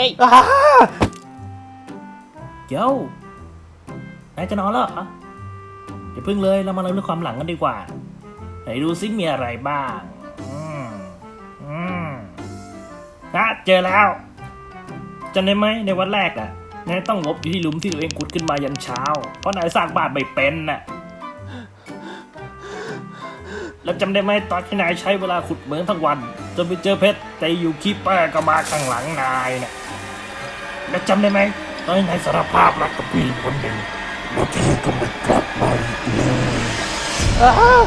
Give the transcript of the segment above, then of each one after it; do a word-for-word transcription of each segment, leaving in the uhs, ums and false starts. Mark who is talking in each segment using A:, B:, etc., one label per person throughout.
A: เจ้านายจะนอนแล้วเหรออย่าพึ่งเลยเรามาเล่าเรื่องความหลังกันดีกว่าไหนดูซิมีอะไรบ้างอืมอืมนะเจอแล้วจำได้ไหมในวันแรกอ่ะนายต้องงบอยู่ที่หลุมที่ตัวเองขุดขึ้นมายันเช้าเพราะนายสร้างบ้านไม่เป็นน่ะแล้วจำได้ไหมตอนที่นายใช้เวลาขุดเหมืองทั้งวันจนไปเจอเพชรแต่อยู่คีปเปอร์ก็มาข้างหลังนายน่ะแล้วจำได้ไหมตอนที่นายสารภาพรักกับผู้หญิงคนหนึ่งแล้วที่ก็ไม่กลับมาอีกเลย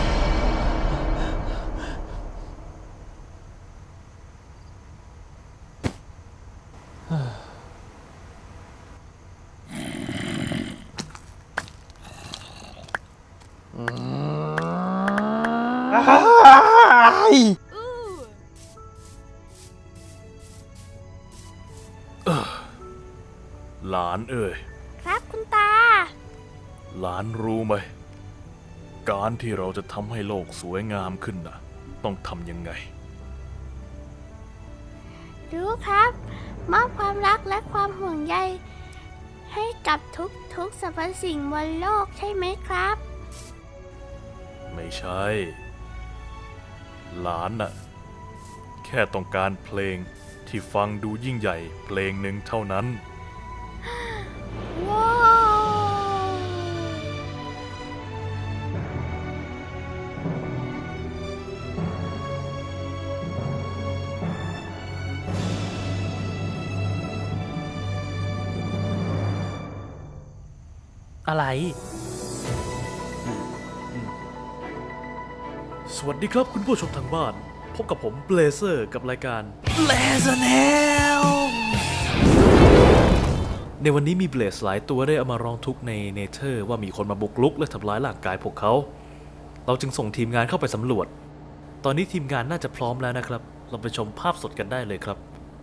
B: หลานเอ่ย
C: ครับคุณตา
B: หลานรู้ไหมการที่เราจะทำให้โลกสวยงามขึ้นน่ะต้องทำยังไง
C: รู้ครับมอบความรักและความห่วงใยให้กับทุกทุกสรรพสิ่งบนโลกใช่ไหมครับ
B: ไม่ใช่หลานน่ะแค่ต้องการเพลงที่ฟังดูยิ่งใหญ่เพลงหนึ่งเท่านั้น
C: ว้าว
A: อะไร
B: สวัสดีครับคุณผู้ชมทางบ้านพบกับผมเบลเซอร์กับรายการ
A: Blazer Nail
B: ในวันนี้มีเบลสหลายตัวได้เอามาร้องทุกข์ในเนเธอร์ว่ามีคนมาบุกรุกและทำร้ายร่างกายพวกเขาเราจึงส่งทีมงานเข้าไปสำรวจตอนนี้ทีมงานน่าจะพร้อมแล้วนะครับเราไปชมภาพสดกันได้เลยครับ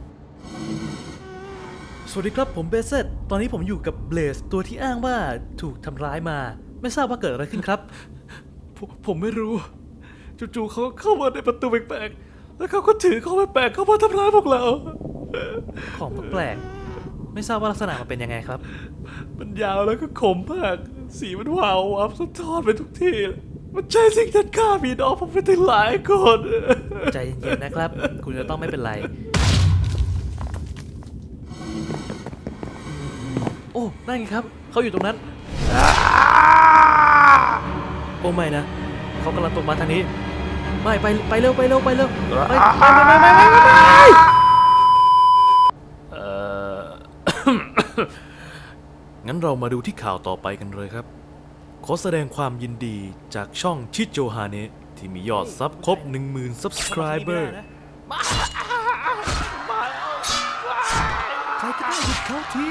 B: สวัสดีครับผมเบสเซตตอนนี้ผมอยู่กับเบลสตัวที่อ้างว่าถูกทำร้ายมาไม่ทราบว่าเกิดอะไรขึ้นครับ ผมผมไม่รู้จู่ๆเขาเข้ามาในประตูแปลกๆแล้วเขาก็ถือของแปลกๆเข้ามาทำร้ายพวกเรา
A: ของแปลกๆไม่ทราบว่าลักษณะมันเป็นยังไงครับ
B: มันยาวแล้วก็คมมากสีมันวาววับสะท้อนไปทุกที่มันใช่สิ่งที่ฆ่าพี่น้องผมไปถึงหลายคน
A: ใจเย็นๆนะครับคุณจะต้องไม่เป็นไรโอ้นั่นไงครับเขาอยู่ตรงนั้นโอ้ไม่นะเขากำลังตรงมาทางนี้ไม่ไปไปเร็วไปเร็วไปเร็วไปไปไปไปไปไป
B: เอ่อ งั้นเรามาดูที่ข่าวต่อไปกันเลยครับขอแสดงความยินดีจากช่องชิโจฮาเนะที่มียอดซับครบ หนึ่งหมื่น Subscriber ใครก็ได้หยุดเขาที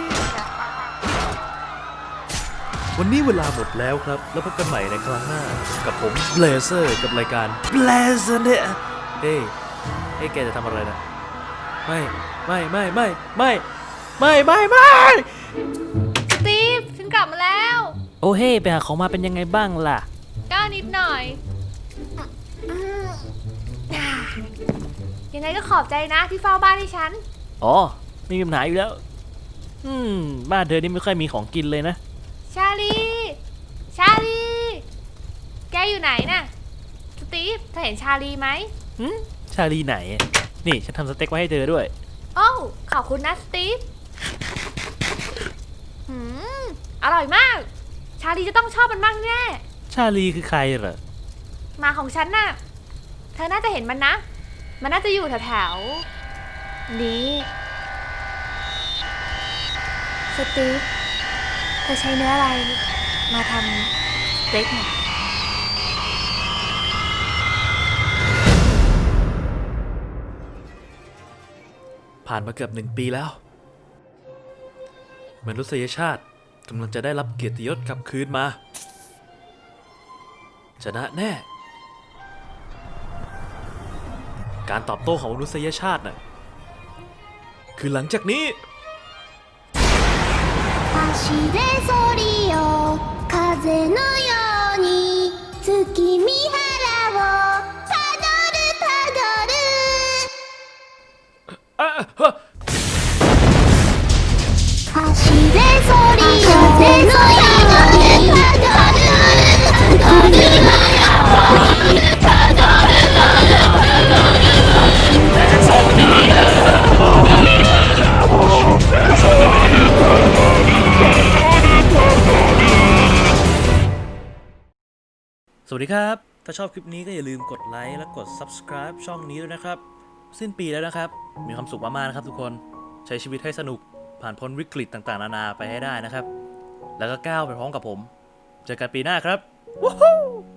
B: วันนี้เวลาหมดแล้วครับแล้วพบกันใหม่ในครั้งหน้ากับผมเบลเซอร์กับรายการ Blazer เนี่ยเฮ้ยเฮ้ยแกจะทำอะไรนะไม่ไม่ไม่ไม่ไม่ไม่ไม่ไม่
C: สตีฟฉันกลับมาแล้ว
A: โอ้เฮ้ไปหาของมาเป็นยังไงบ้างล่ะ
C: ก็นิดหน่อยยังไงก็ขอบใจนะที่เฝ้าบ้านให้ฉัน
A: อ๋อไม่มีปัญหาอยู่แล้วอืมบ้านเธอนี่ไม่ค่อยมีของกินเลยนะ
C: ชาลีชาลีแกอยู่ไหนน่ะสตีฟเธอเห็นชาลีไหม
A: หืมชาลีไหนนี่ฉันทำสเต็กไว้ให้เธอด้วย
C: โอ้ขอบคุณนะสตีฟหืมอร่อยมากชาลีจะต้องชอบมันมากแน่
A: ชาลีคือใครเหรอ
C: หมาของฉันน่ะเธอน่าจะเห็นมันนะมันน่าจะอยู่แถวๆนี้สตีฟเธอใช้เนื้ออะไรมาทำสเต็กเนี่ย
B: ผ่านมาเกือบหนึ่งปีแล้วมนุษยชาติกำลังจะได้รับเกียรติยศกลับคืนมาชนะแน่การตอบโต้ของมนุษยชาติน่ะคือหลังจากนี้
C: 走れソリよ風のように月見原をたどるたどる
B: สวัสดีครับ ถ้าชอบคลิปนี้ก็อย่าลืมกดไลค์และกด ซับสไครบ์ ช่องนี้ด้วยนะครับ สิ้นปีแล้วนะครับ มีความสุขมากๆนะครับทุกคน ใช้ชีวิตให้สนุก ผ่านพ้นวิกฤตต่างๆนานาไปให้ได้นะครับ แล้วก็ก้าวไปพร้อมกับผม เจอกันปีหน้าครับ วู้ฮู้